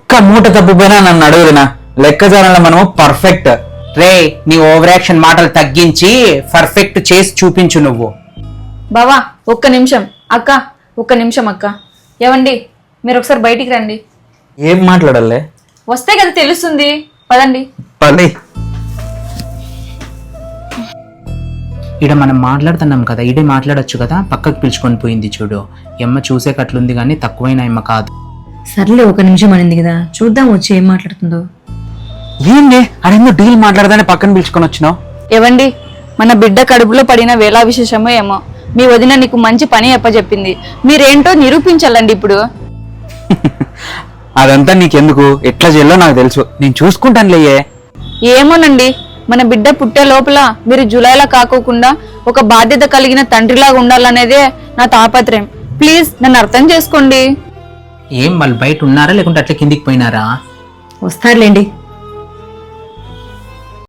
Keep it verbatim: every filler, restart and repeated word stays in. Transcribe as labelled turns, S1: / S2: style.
S1: ఒక్క మూట తప్పిపోయినా నన్ను అడుగుదినా లెక్కజాలలో మనము పర్ఫెక్ట్.
S2: రే నీ ఓవర్ యాక్షన్ మాటలు తగ్గించి పర్ఫెక్ట్ చేసి చూపించు నువ్వు.
S3: బావా ఒక్క నిమిషం. అక్క ఒక్క నిమిషం అక్క. ఏవండి మీరు ఒకసారి బయటికి రండి.
S1: ఏం మాట్లాడాలే?
S3: వస్తే కదా తెలుస్తుంది, పదండి.
S1: పది
S2: ఇడ మనం మాట్లాడుతున్నాం కదా, ఇడే మాట్లాడొచ్చు కదా. పక్కకు పిలుచుకొని పోయింది చూడు. ఎమ్మ చూసేకట్లుంది కానీ తక్కువైన ఎమ్మ కాదు.
S4: సర్లే ఒక నిమిషం అనింది కదా, చూద్దాం వచ్చి ఏం మాట్లాడుతుందో.
S1: ఏంటి అదేందో డీల్ మాట్లాడదానే పక్కన పిలుచుకొని వచ్చినావు?
S3: ఏవండి మన బిడ్డ కడుపులో పడిన వేళా విశేషమో ఏమో మీ వదిన నీకు మంచి పని అప్పచెప్పింది. మీరేంటో నిరూపించాలండి ఇప్పుడు.
S1: అదంతా నీకెందుకు, ఎట్లా చేయాలో నాకు తెలుసు, నేను చూసుకుంటానులేయే.
S3: ఏమోనండి మన బిడ్డ పుట్టే లోపల మీరు జూలైలా కాకోకుండా ఒక బాధ్యత కలిగిన తండ్రిలాగా ఉండాలనేదే నా తాపత్రయం. ప్లీజ్ నన్ను అర్థం చేసుకోండి.
S2: ఏం వాళ్ళు బయట ఉన్నారా లేకుంటే అట్లా కిందికి పోయినారా?
S4: వస్తారులేండి.